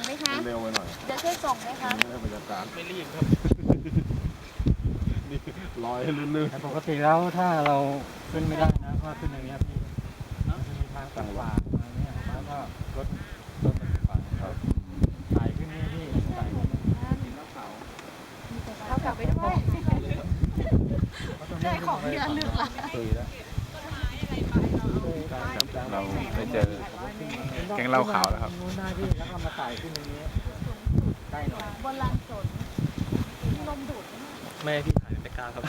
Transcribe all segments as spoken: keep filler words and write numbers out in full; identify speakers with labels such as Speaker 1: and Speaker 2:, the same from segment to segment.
Speaker 1: ไหมคะ
Speaker 2: เร็วไปหน่อย
Speaker 1: จะช่วยส่งไหมคะ
Speaker 2: ไม่ได้บรรยากาศไม่รีบครับนี่ลอยลื่น
Speaker 3: ๆปกติแล้วถ้าเราขึ้นไม่ได้นะก็ขึ้นอย่างเงี้ยพี่มันจะมีทางต่างๆมาเนี่ยแล้วก็รถรถมันขวางครับสายขึ้นนี่พี่สายขึ้น
Speaker 1: เขากลับไปด้วยได้ของเดือนหนึ่งละ
Speaker 3: ตุยแล้ว
Speaker 4: เราไปเจอแกงเหล้าขาวแล้วครับ
Speaker 3: นู้นหน้าที่แล้วก็มาสายขึ้นอย่างนี้ใกล้หน่อย
Speaker 1: บนลานสนมีลมดูดไหม
Speaker 4: แม่พี่ถ่ายไม่กล้าครับ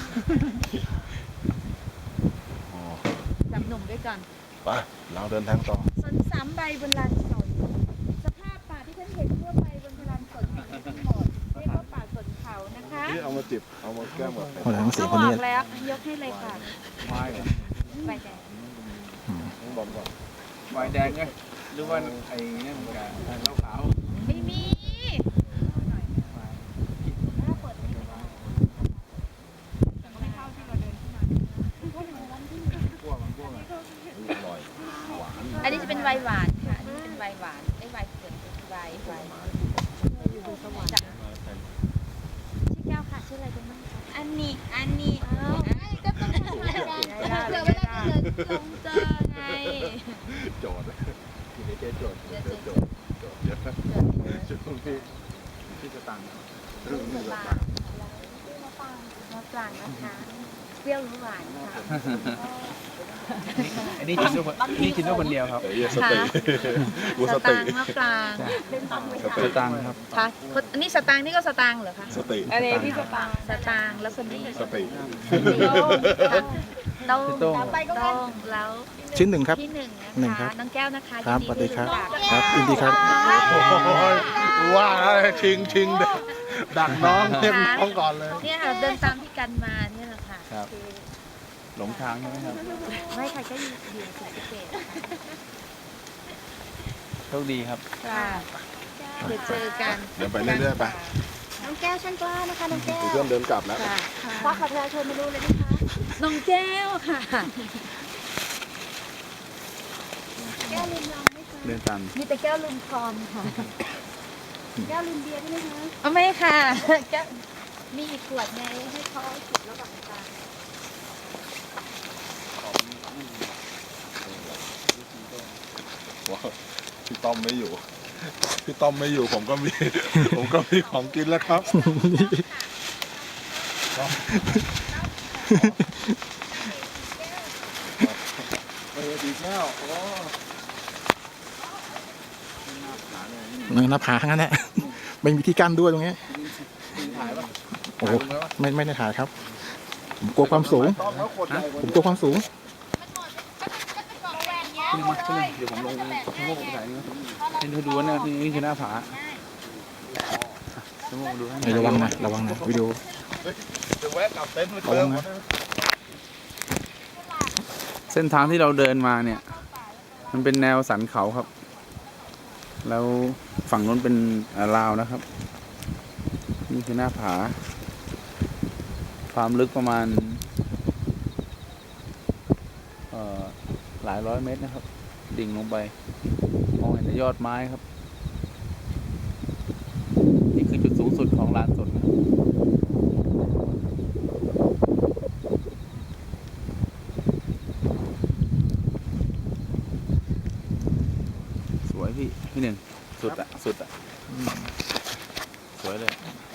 Speaker 1: จับหนุ่มด้วยกัน
Speaker 2: ไปเราเดินทางต่อ
Speaker 1: สนสามใบบนลานสนสภาพป่าที่ท่านเห็นทั่วไปบนลานสนแห่งนี้ทั้งหมดเรียกว่าป่าสนเขานะคะ
Speaker 2: นี่เอามาจิบเอามาแก้มแบบ
Speaker 5: คนทั้งสี่
Speaker 1: เขา
Speaker 5: คน
Speaker 1: บอ
Speaker 5: นี้
Speaker 1: กแล้วยกให้เลยค่ะ
Speaker 3: ไม้เหรอ
Speaker 1: ใบแดง
Speaker 2: ต้องบอมก่อน
Speaker 4: ไวน์แดงไงหรือว่าไอ้นี่เหมือนกันเหล้าขาว
Speaker 1: ไม่มีอันนี้จะเป็นไวน์หวานค่ะอันนี้เป็นไวน์หวานไอ้ไวน์เกิดไวน์ไวน์ชื่อแก้วค่ะชื่ออะไรกันบ้างคะอันนี้อันนี้อ้าวก็ต้องทำอะไรกันเผื่อเวลาจะลงเจอไง
Speaker 2: โจทย์อยู่ในเจ๊โจทย์เจ๊โจทย์โจทย์เยอะช่วงที่ที่จะตังค์เรื่องนี้จะตังค์
Speaker 1: มะปรางมะปรางนะคะเปรี้ยวหรือหวานค่ะ
Speaker 4: อันนี้กินด้วยคนนี่กินด้วยคนเดียวครับ
Speaker 2: เดี๋ยวสติกูส
Speaker 1: ส
Speaker 2: ติ
Speaker 1: ตางค์มะปราง
Speaker 4: สตังค์ครับ
Speaker 1: ค่ะอันนี้สตางค์นี่ก็สตางค์เหรอคะ
Speaker 2: สติ
Speaker 1: อันนี้พี่สตางค์สตางค์แล้วคนนี้
Speaker 2: สติ
Speaker 1: โต้ง
Speaker 4: โต้ง
Speaker 1: โต้งแล้ว
Speaker 5: ชิ้นหนึ่งครับ
Speaker 1: ที่หนึ่ง
Speaker 5: หนึ่ง
Speaker 1: นะ
Speaker 5: ครั
Speaker 1: คะ
Speaker 5: บ
Speaker 1: น้องแก้วนะคะ
Speaker 5: ครับ
Speaker 1: ยิน
Speaker 5: สวัสดีครับ
Speaker 1: ที่
Speaker 5: ครับยินดีครับ
Speaker 2: ว่าชิงชิงดักน้องเต็มท้องก่อนเลย
Speaker 1: เนี่ยค่ะเดินตามพี่กันมาเนี่ยแหละค่ะ
Speaker 4: ครับ หลงทางใช่ไหมครับ
Speaker 1: ไม่ใครก็อยู่อยู่ศรีสะเกษ
Speaker 4: โชคดีครับ
Speaker 1: ค่ะเดี๋ยวเจอกัน
Speaker 2: เดี๋ยวไปเรื่อยๆไป
Speaker 1: น้องแก้วช่างกล้านะคะน้องแก้ว
Speaker 2: เพื่อนเดินกลับแล้ว
Speaker 1: ค่ะควักบัตรประชาชนมาดูเลยนะคะน้องแก้วค่ะแก้วลืมยังไม่คะ
Speaker 4: เดินตาม
Speaker 1: มีแต่แก้วลืมคอมค่ะแก้วลืมเบียร์ใช่ไหมคะอ๋อไม่ค่ะแก้วมีอีกขวดไงให้เขาจิบแล้วแบบกัน
Speaker 2: พี่ต้อมไม่อยู่ พี่ต้อมไม่อยู่ผมก็มี ผมก็มีของกินแล้วครับเออดีแก้วโอ้
Speaker 5: เนินหน้าผาทั้งนั้นแหละไม่มีที่กั้นด้วยตรงนี้โอ้โหไม่ไม่ได้ถ่ายครับผมกลัวความสูง ผมกลัวความสูง
Speaker 4: ขึ้นมาขึ้นเดี๋ยวผมลงชะโงกไปถ่ายนี่ให้เธอดูว่าเนี่ยนี่คือหน้าผาชะโงกดูให้
Speaker 5: เฮ้ยระวังนะระวังนะวิดีโอ
Speaker 2: จะแวะกลับเต็นท์มา
Speaker 5: ระ
Speaker 2: เติ
Speaker 5: วั
Speaker 2: ม
Speaker 5: งนะ
Speaker 4: เส้นทางที่เราเดินมาเนี่ย มันเป็นแนวสันเขาครับ แล้วฝั่งนู้นเป็นลาวนะครับ นี่คือหน้าผา ความลึกประมาณเอ่อหลายร้อยเมตรนะครับ ดิ่งลงไป มองเห็นแต่ยอดไม้ครับ นี่คือจุดสูงสุดของลานสนนะครับสวยพี่ พี่หนึ่งสุดอะสุดอะสวยเลย